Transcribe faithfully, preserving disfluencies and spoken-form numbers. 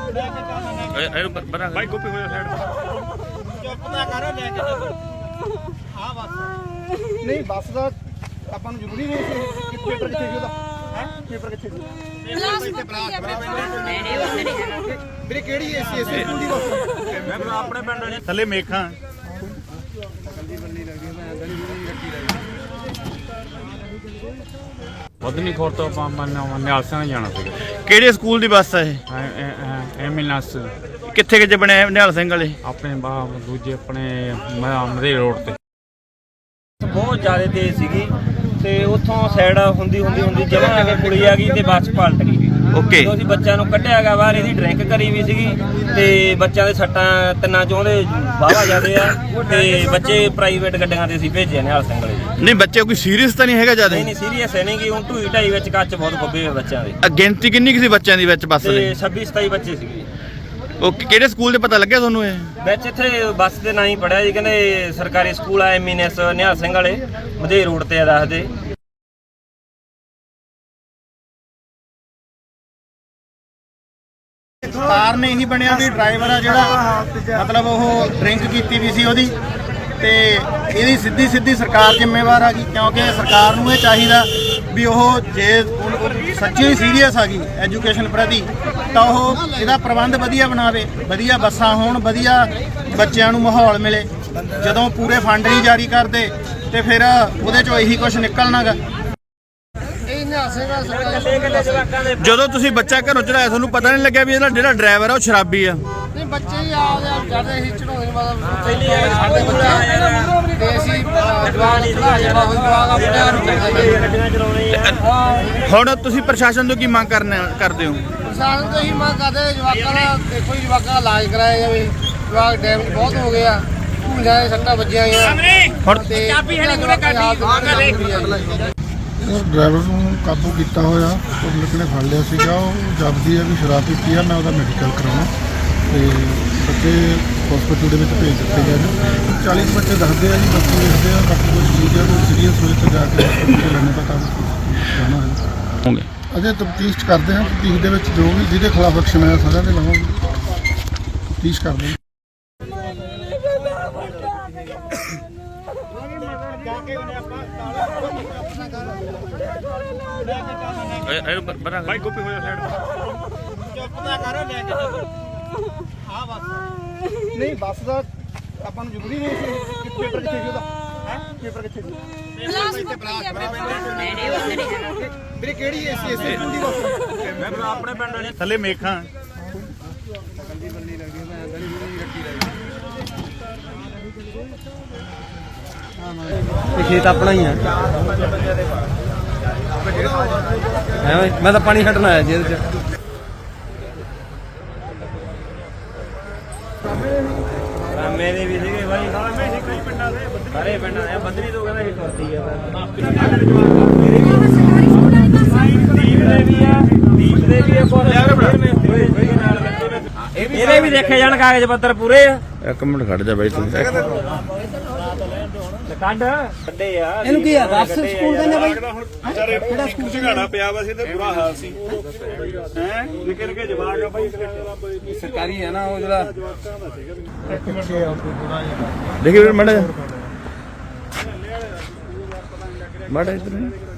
भाई गोपी हो साइड चुप ना करो लेके चलो हां बस नहीं बस ਦਾ ਆਪਾਂ ਨੂੰ ਜ਼ਰੂਰੀ ਨਹੀਂ ਸੀ ਕਿ ਪੇਪਰ ਕਿੱਥੇ ਸੀ ਉਹਦਾ ਹੈ ਪੇਪਰ ਕਿੱਥੇ ਸੀ ਇੱਥੇ ਬਰਾਤ ਆਪਣੇ ਪਿੰਡ ਵੀਰੇ ਕਿਹੜੀ ਐਸੀ ਐਸੀ ਸਕੂਲ ਦੀ ਬੱਸ ਮੈਂ ਆਪਣੇ ਪਿੰਡ ਦੇ ਥੱਲੇ ਮੇਖਾਂ ਕੱਲੀ ਬੰਨੀ ਲੱਗਦੀ ਮੈਂ ਗਲੀ ਗਲੀ ਰੱਖੀ ਰਹੀ ਵਧਨੀ ਖੋਰ ਤੋਂ ਆਪਾਂ ਨਿਹਾਲ ਸਿੰਘ ਜਾਣਾ ਸੀਗਾ। ਕਿਹੜੇ ਸਕੂਲ ਦੀ ਬੱਸ ਹੈ ਇਹ? ਐਮਐਨਐਸ ਕਿੱਥੇ ਕਿੱਥੇ ਬਣੇ ਨਿਹਾਲ ਸਿੰਘ ਵਾਲੇ? ਆਪਣੇ ਬਾ ਦੂਜੇ ਆਪਣੇ ਮਧੇ ਰੋਡ ਤੇ ਬਹੁਤ ਜ਼ਿਆਦਾ ਤੇਜ਼ ਸੀਗੀ ਤੇ ਉੱਥੋਂ ਸਾਈਡ ਹੁੰਦੀ ਹੁੰਦੀ ਹੁੰਦੀ ਜਮਾਂ ਆ ਕੇ ਕੁੜੀ ਆ ਗਈ ਤੇ ਬੱਸ ਪਲਟ ਗਈ। ਓਕੇ ਜਦੋਂ ਅਸੀਂ ਬੱਚਿਆਂ ਨੂੰ ਕੱਢਿਆ ਗਾ ਬਾਹਰ, ਇਹਦੀ ਡਰਿੰਕ ਕਰੀ ਵੀ ਸੀਗੀ ਤੇ ਬੱਚਿਆਂ ਦੇ ਸੱਟਾਂ ਤਿੰਨਾਂ ਚੋਂ ਦੇ ਵਾਹਵਾ ਜਾਂਦੇ ਆ ਤੇ ਬੱਚੇ ਪ੍ਰਾਈਵੇਟ ਗੱਡੀਆਂ ਤੇ ਅਸੀਂ ਭੇਜੇ ਨਿਹਾਲ ਸਿੰਘ ਵਾਲੇ। ਨਹੀਂ ਬੱਚੇ ਕੋਈ ਸੀਰੀਅਸ ਤਾਂ ਨਹੀਂ ਹੈਗਾ ਜਿਆਦਾ? ਨਹੀਂ ਨਹੀਂ ਸੀਰੀਅਸ ਹੈ ਨਹੀਂ ਗੀ, ਹੁਣ ਢੂਈ ਢਾਈ ਵਿੱਚ ਕੱਚ ਬਹੁਤ ਖੁੱਬੇ ਹੋਏ ਬੱਚਿਆਂ ਦੇ। ਗਿਣਤੀ ਕਿੰਨੀ ਕੁ ਸੀ ਬੱਚਿਆਂ ਦੀ ਵਿੱਚ ਬੱਸ ਤੇ ਦੇ? ਛੱਬੀ ਸਤਾਈ ਬੱਚੇ ਸੀਗੇ। ਓਕੇ ਕਿਹੜੇ ਸਕੂਲ ਦੇ ਪਤਾ ਲੱਗਿਆ ਤੁਹਾਨੂੰ ਇਹ? ਵਿੱਚ ਇੱਥੇ ਬੱਸ ਦੇ ਨਾਂ ਹੀ ਪੜਿਆ ਜੀ, ਕਹਿੰਦੇ ਸਰਕਾਰੀ ਸਕੂਲ ਆ ਐਮਐਨਐਸ ਨਿਹਾਲ ਸਿੰਘ ਵਾਲੇ ਮਧੇ ਰੋਡ ਤੇ ਆ ਦੱਸਦੇ। ਕਾਰਨ ਇਹੀ ਬਣਿਆ ਵੀ ਡਰਾਈਵਰ ਆ ਜਿਹੜਾ ਮਤਲਬ ਉਹ ਡਰਿੰਕ ਕੀਤੀ ਵੀ ਸੀ ਉਹਦੀ ਤੇ ਇਹਦੀ ਸਿੱਧੀ ਸਿੱਧੀ ਸਰਕਾਰ ਜ਼ਿੰਮੇਵਾਰ ਆ ਗਈ, ਕਿਉਂਕਿ ਸਰਕਾਰ ਨੂੰ ਇਹ ਚਾਹੀਦਾ ਵੀ ਉਹ ਜੇ ਸੱਚੀ ਸੀਰੀਅਸ ਆ ਗਈ ਐਜੂਕੇਸ਼ਨ ਪ੍ਰਤੀ ਤਾਂ ਉਹ ਇਹਦਾ ਪ੍ਰਬੰਧ ਵਧੀਆ ਬਣਾਵੇ, ਵਧੀਆ ਬੱਸਾਂ ਹੋਣ, ਵਧੀਆ ਬੱਚਿਆਂ ਨੂੰ ਮਾਹੌਲ ਮਿਲੇ। ਜਦੋਂ ਪੂਰੇ ਫੰਡ ਨਹੀਂ ਜਾਰੀ ਕਰਦੇ ਤੇ ਫਿਰ ਉਹਦੇ ਚੋਂ ਇਹੀ ਕੁਝ ਨਿਕਲਣਾਗਾ। ਜਦੋਂ ਤੁਸੀਂ ਬੱਚਾ ਘਰੋਂ ਚੜਾਇਆ ਤੁਹਾਨੂੰ ਪਤਾ ਨਹੀਂ ਲੱਗਿਆ ਵੀ ਇਹਦਾ ਜਿਹੜਾ ਡਰਾਈਵਰ ਆ ਉਹ ਸ਼ਰਾਬੀ ਆ? ਨਹੀਂ ਬੱਚੇ ਹੀ ਆਉਂਦੇ ਜਾਂਦੇ ਸੀ ਚੜਾਉਂਦੇ ਮਤਲਬ ਪਹਿਲੀ ਸਾਡੇ ਬੱਚੇ ਤੇ ਅਸੀਂ ਜਵਾਨ ਚੜਾ ਜਾਣਾ ਹੋਈ ਜਵਾਨ ਆਪਣੇ ਆਪ ਨੂੰ ਗੱਡੀਆਂ ਚਲਾਉਣੇ ਆ। ਹੁਣ ਤੁਸੀਂ ਪ੍ਰਸ਼ਾਸਨ ਤੋਂ ਕੀ ਮੰਗ ਕਰਨਾ ਕਰਦੇ ਹੋ? ਪ੍ਰਸ਼ਾਸਨ ਤੋਂ ਹੀ ਮੰਗ ਕਰਦੇ ਜਵਾਕਾਂ ਦਾ ਦੇਖੋ ਜੀ, ਜਵਾਕਾਂ ਦਾ ਇਲਾਜ ਕਰਾਇਆ ਜਾਵੇ। ਜਵਾਕ ਡੈਮੇਜ ਬਹੁਤ ਹੋ ਗਿਆ, ਭੂੰਜਾਂ ਦੇ ਸੱਟਾਂ ਵੱਜੀਆਂ ਆ ਹੁਣ ਚਾਬੀ ਹੈ ਨਹੀਂ ਕੋਲੇ ਕਾਢੀ ਡਰਾਈਵਰ ਨੂੰ ਕਾਬੂ ਕੀਤਾ ਹੋਇਆ, ਪਬਲਿਕ ਨੇ ਫੜ ਲਿਆ ਸੀਗਾ। ਉਹ ਜਪਦੀ ਹੈ ਵੀ ਸ਼ਰਾਬ ਪੀਤੀ ਆ, ਮੈਂ ਉਹਦਾ ਮੈਡੀਕਲ ਕਰਾਉਣਾ ਤੇ ਬੱਚੇ ਹਸਪੀਟਲ ਦੇ ਵਿੱਚ ਭੇਜ ਦਿੱਤੇ ਗਏ ਨੇ। ਚਾਲੀ ਬੱਚੇ ਦੱਸਦੇ ਆ ਜੀ, ਬਾਕੀ ਦੇਖਦੇ ਆ, ਬਾਕੀ ਕੁਝ ਠੀਕ ਹੈ, ਕੋਈ ਸੀਰੀਅਸ ਹੋਏ ਤਾਂ ਜਾ ਕੇ ਹਸਪੀਟਲ ਲੈਣੇ ਦਾ ਕੰਮ ਜਾਣਾ ਹੈ। ਹੋਗੇ ਅਜੇ ਤਫਤੀਸ਼ ਕਰਦੇ ਹਾਂ, ਤਫਤੀਸ਼ ਦੇ ਵਿੱਚ ਜੋ ਵੀ ਜਿਹਦੇ ਖਿਲਾਫ ਐਕਸ਼ਨ ਆਇਆ ਸਾਰਿਆਂ ਦੇ ਲਵਾਂਗੇ, ਤਫਤੀਸ਼ ਕਰਦੇ ਹਾਂ। भाई गोपी हो साइड चुप ना करो लेके चलो हां बस नहीं बस ਦਾ ਆਪਾਂ ਨੂੰ ਜ਼ਰੂਰੀ ਨਹੀਂ ਸੀ ਕਿ ਪੇਪਰ ਕਿੱਥੇ ਸੀ ਉਹਦਾ ਹੈ ਪੇਪਰ ਕਿੱਥੇ ਸੀ ਇੱਥੇ ਬਰਾਤ ਆਪਣੇ ਪਿੰਡ ਵੀਰੇ ਕਿਹੜੀ ਐਸੀ ਐਸੀ ਸਕੂਲ ਦੀ ਬੱਸ ਮੈਂ ਆਪਣੇ ਪਿੰਡ ਦੇ ਥੱਲੇ ਮੇਖਾਂ ਕੱਲੀ ਬੰਨੀ ਲੱਗਦੀ ਮੈਂ ਗਲੀ ਗਲੀ ਰੱਖੀ ਰਹੀ ਇਹ ਖੇਤ ਆਪਣਾ ਹੀ ਆ ਹੈ ਓਏ, ਮੈਂ ਤਾਂ ਪਾਣੀ ਛੱਡਣ ਆਇਆ ਜੀ ਇਹਦੇ ਚ। ਮੇਰੇ ਵੀ ਸੀਗੇ ਬਾਈ, ਸਾਰੇ ਪਿੰਡਾਂ ਦੇ ਬੱਦਰੀ ਤੋਂ ਕਹਿੰਦਾ ਇਹ ਕਰਦੀ ਆ। ਦੀਪ ਦੇ ਵੀ ਆ, ਦੀਪ ਦੇ ਵੀ ਆ, ਇਹਦੇ ਵੀ ਦੇਖੇ ਜਾਣ ਕਾਗਜ਼ ਪੱਤਰ ਪੂਰੇ ਆ। ਇੱਕ ਮਿੰਟ ਖੜ ਜਾ ਬਾਈ ਤੂੰ। ਕੱਢ ਕੱਢੇ ਆ ਇਹਨੂੰ ਕੀ ਆ ਰਸ ਸਕੂਲ ਕਹਿੰਦੇ ਬਾਈ? ਕਿਹੜਾ ਸਕੂਲ ਝਗੜਾ ਪਿਆ ਵਾ ਸੀ ਤੇ ਬੁਰਾ ਹਾਲ ਸੀ ਹੈ ਨਿੱਕੇ ਨਿੱਕੇ ਜਵਾਕ ਆ ਬਾਈ, ਸਰਕਾਰੀ ਹੈ ਨਾ ਉਹ ਜਿਹੜਾ ਦੇਖੀ ਵੀਰ ਮੜਾ ਮੜਾ ਇਧਰ